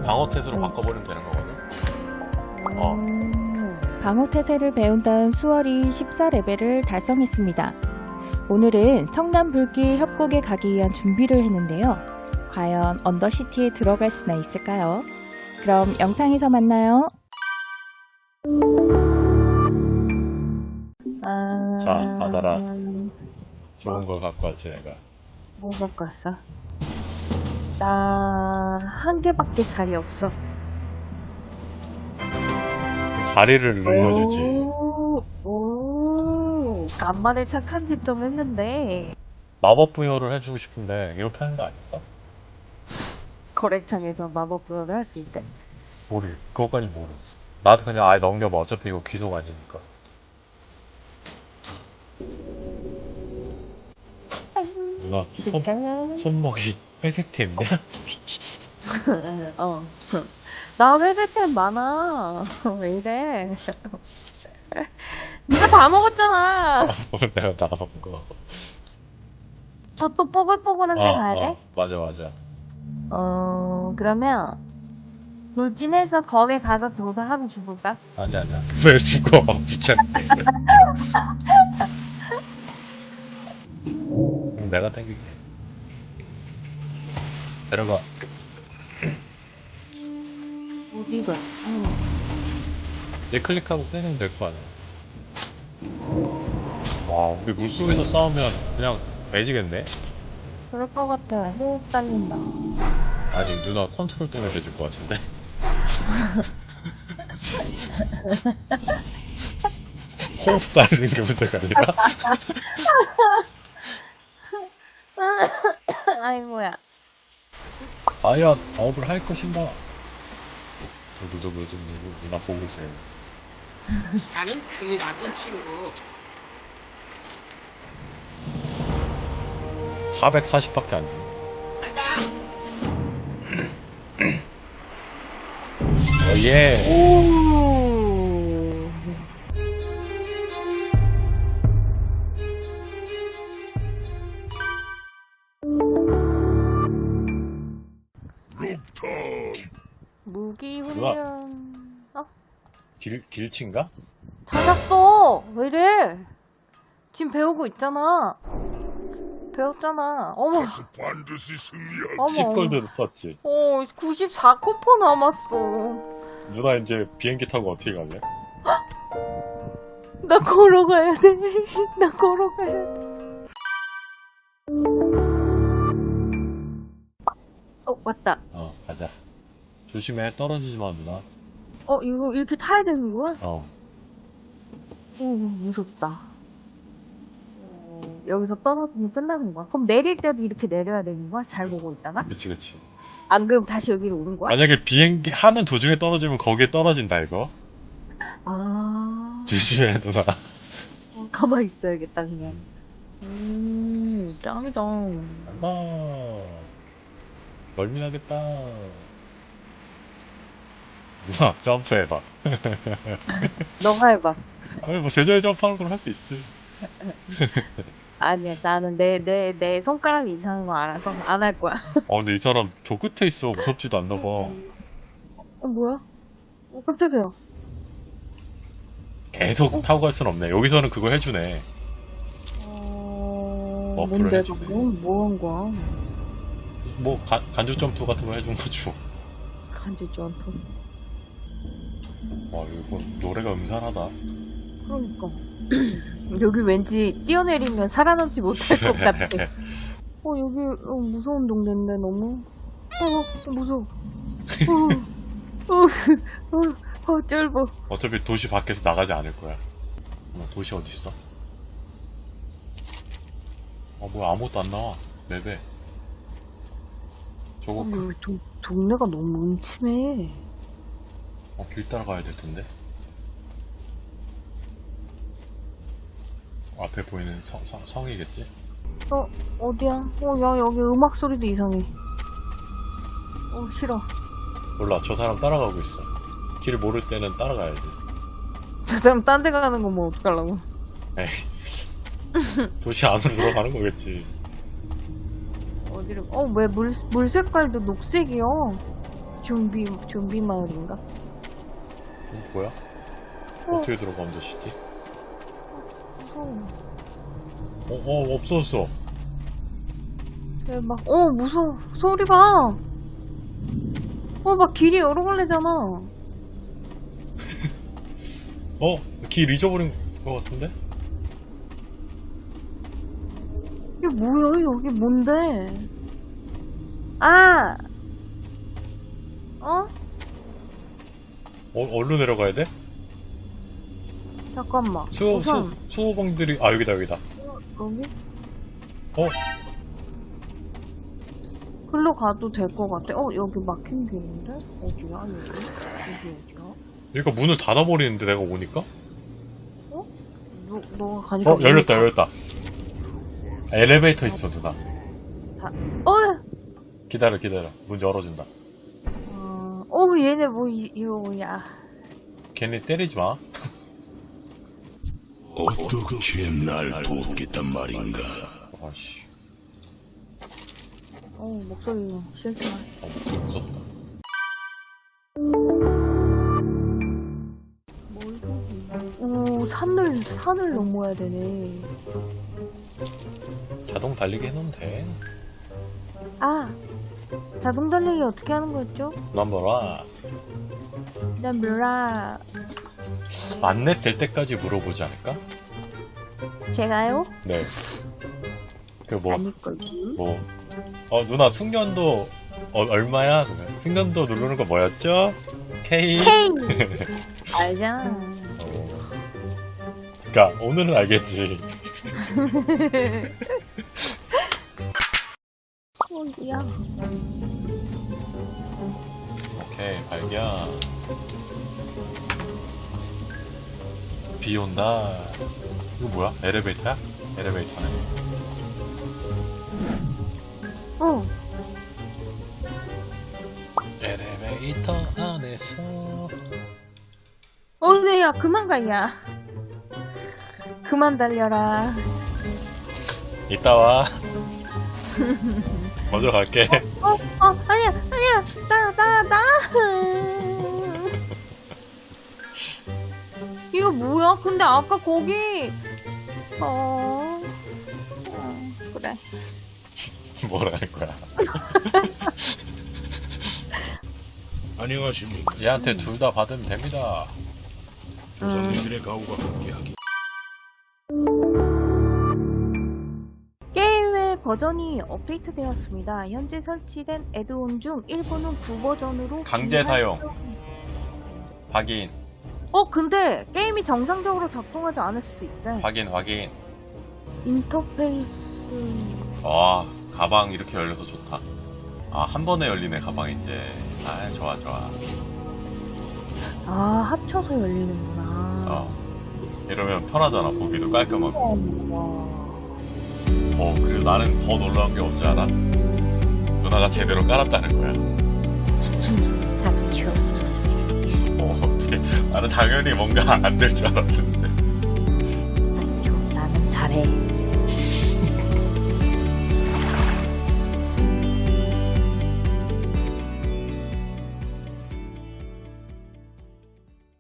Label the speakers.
Speaker 1: 방어태세로 바꿔버리면 되는 거거든.
Speaker 2: 방어태세를 배운 다음 수월이 14레벨을 달성했습니다. 오늘은 성남 불길 협곡에 가기 위한 준비를 했는데요. 과연 언더시티에 들어갈 수나 있을까요? 그럼 영상에서 만나요.
Speaker 1: 자, 받아라. 좋은 걸 갖고 왔지, 내가.
Speaker 3: 뭐 갖고 왔어? 나 한 개밖에 자리 없어.
Speaker 1: 자리를 늘려주지.
Speaker 3: 오, 간만에 착한 짓 좀 했는데.
Speaker 1: 마법 부여를 해주고 싶은데, 이렇게 하는 거 아닐까?
Speaker 3: 거래창에서 마법 부여를 할 수 있대.
Speaker 1: 모르. 그것까지 모르. 나도 그냥 아예 넘겨봐. 어차피 이거 귀속 아니니까. 누나, 손목이 회색템이야?
Speaker 3: 어. 나 회색템 많아. 왜 이래? 네가 다 먹었잖아.
Speaker 1: 내가 나가서 본 거.
Speaker 3: 저 또 뽀글뽀글한 데 가야 돼?
Speaker 1: 맞아, 맞아.
Speaker 3: 그러면 돌진해서 거기 가서 조사하고 죽을까?
Speaker 1: 아니야. 왜 죽어? 귀찮네. 내가 땡길게. 내려가.
Speaker 3: 어디가?
Speaker 1: 얘 클릭하고 빼면 될 거 아니야. 와, 우리 물속에서 싸우면 그냥 매지겠네?
Speaker 3: 그럴 것 같아. 호흡 딸린다.
Speaker 1: 아니, 누나 컨트롤 때문에 매질 것 같은데? 호흡 따르는 게 문제가 아니라?
Speaker 3: 아이고야.
Speaker 1: 과연 업을 할 것인가? 누구 누나 보고 있어요.
Speaker 4: 나는 그라고 친구.
Speaker 1: 440밖에 안 주네. 예.
Speaker 3: 오. 무기 훈련.
Speaker 1: 길친가?
Speaker 3: 찾았어. 왜 이래? 지금 배우고 있잖아. 배웠잖아. 어머.
Speaker 4: 반드시 승리할.
Speaker 3: 어머.
Speaker 1: 10골드 썼지.
Speaker 3: 94쿠퍼 남았어.
Speaker 1: 누나 이제 비행기 타고 어떻게 갈래?
Speaker 3: 나 걸어가야 돼. 나 걸어가야 돼. 왔다.
Speaker 1: 가자. 조심해, 떨어지지 마, 누나.
Speaker 3: 이거 이렇게 타야 되는 거야? 무섭다. 여기서 떨어지면 끝나는 거야? 그럼 내릴 때도 이렇게 내려야 되는 거야? 잘 보고 있다가?
Speaker 1: 그치.
Speaker 3: 안 그럼 다시 여기로 오는 거야?
Speaker 1: 만약에 비행기 하는 도중에 떨어지면 거기에 떨어진다, 이거.
Speaker 3: 아,
Speaker 1: 조심해, 누나.
Speaker 3: 가만히 있어야겠다, 그냥. 짱이다.
Speaker 1: 엄마. 멀미나겠다. 누나, 점프해봐.
Speaker 3: 너가 해봐.
Speaker 1: 아니, 뭐, 제자리 점프하는 걸 할 수 있지.
Speaker 3: 아니야, 나는 내 손가락이 이상한 거 알아서 안 할 거야.
Speaker 1: 근데 이 사람 저 끝에 있어. 무섭지도 않나 봐.
Speaker 3: 뭐야? 깜짝이야.
Speaker 1: 계속 타고 갈 순 없네. 여기서는 그거 해주네.
Speaker 3: 뭔데,
Speaker 1: 해주네.
Speaker 3: 저거? 뭐 한 거야?
Speaker 1: 뭐, 간주 점프 같은 거 해준 거죠.
Speaker 3: 간지 점프.
Speaker 1: 와, 이거 노래가 음산하다.
Speaker 3: 그러니까. 여기 왠지 뛰어내리면 살아남지 못할 것 같아. 여기 무서운 동네인데 너무. 무서워. 쫄보.
Speaker 1: 어차피 도시 밖에서 나가지 않을 거야. 도시 어딨어? 뭐야, 아무것도 안 나와. 맵에. 저거
Speaker 3: 여기 동네가 너무 음침해.
Speaker 1: 길 따라가야 될 텐데. 앞에 보이는 성이겠지?
Speaker 3: 어디야? 야, 여기 음악 소리도 이상해. 싫어.
Speaker 1: 몰라, 저 사람 따라가고 있어. 길 모를 때는 따라가야지.
Speaker 3: 저 사람 딴 데 가는 거 뭐 어떡하려고.
Speaker 1: 에이. 도시 안으로 들어가는 거겠지.
Speaker 3: 어디를, 왜 물 색깔도 녹색이야. 좀비 마을인가?
Speaker 1: 뭐야? 어떻게 들어가 언더시티?
Speaker 3: 무서워.
Speaker 1: 없어졌어.
Speaker 3: 대박. 무서워. 소리 봐. 막 길이 여러 갈래잖아.
Speaker 1: 길 잊어버린 것 같은데?
Speaker 3: 이게 뭐야? 여기 뭔데? 아!
Speaker 1: 어디로 내려가야 돼?
Speaker 3: 잠깐만. 우선
Speaker 1: 수호봉들이, 여기다.
Speaker 3: 여기?
Speaker 1: 어?
Speaker 3: 글로 가도 될 것 같아. 여기 막힌 길인데? 어디야, 여기? 여기 어디야?
Speaker 1: 여기가 문을 닫아버리는데, 내가 오니까?
Speaker 3: 너가 가니까.
Speaker 1: 열렸다. 엘리베이터 있어, 누나. 기다려. 문 열어준다.
Speaker 3: 얘네 이거 뭐야.
Speaker 1: 걔네 때리지 마.
Speaker 4: 어떻게 날 돕겠단 말인가?
Speaker 1: 아씨.
Speaker 3: 목소리 싫지만.
Speaker 1: 목소리 무섭다.
Speaker 3: 산을 넘어야 되네.
Speaker 1: 자동 달리기 해놓으면 돼.
Speaker 3: 자동 달리기 어떻게 하는 거였죠?
Speaker 1: 넘버라.
Speaker 3: 난 몰라.
Speaker 1: 만렙 될 때까지 물어보지 않을까?
Speaker 3: 제가요?
Speaker 1: 네.
Speaker 3: 아닐걸요?
Speaker 1: 누나 숙련도 얼마야? 숙련도 누르는 거 뭐였죠? K.
Speaker 3: 알잖아.
Speaker 1: 그니까 오늘은 알겠지.
Speaker 3: 어디야?
Speaker 1: 오케이, 발견. 비 온다. 이거 뭐야? 엘리베이터야? 엘리베이터네. 엘리베이터 안에서.
Speaker 3: 네, 야, 그만 가, 야. 그만 달려라.
Speaker 1: 이따 와. 먼저 갈게.
Speaker 3: 아니야. 나. 이거 뭐야? 근데 아까 거기. 그래.
Speaker 1: 뭐라는 거야?
Speaker 4: 안녕하십니까?
Speaker 1: 얘한테 둘 다 받으면 됩니다.
Speaker 4: 조상님들의 가오가 함께하기.
Speaker 3: 게임의 버전이 업데이트되었습니다. 현재 설치된 애드온 중 일부는 9버전으로
Speaker 1: 강제 사용. 확인.
Speaker 3: 근데 게임이 정상적으로 작동하지 않을 수도 있대.
Speaker 1: 확인.
Speaker 3: 인터페이스.
Speaker 1: 가방 이렇게 열려서 좋다. 한 번에 열리네, 가방 이제. 좋아.
Speaker 3: 합쳐서 열리는구나.
Speaker 1: 이러면 편하잖아, 보기도 깔끔하고.
Speaker 3: 와.
Speaker 1: 그리고 나는 더 놀라운 게 뭔지 알아? 누나가 제대로 깔았다는 거야.
Speaker 3: 닥쳐.
Speaker 1: 어떻게. 나는 당연히 뭔가 안 될 줄 알았는데.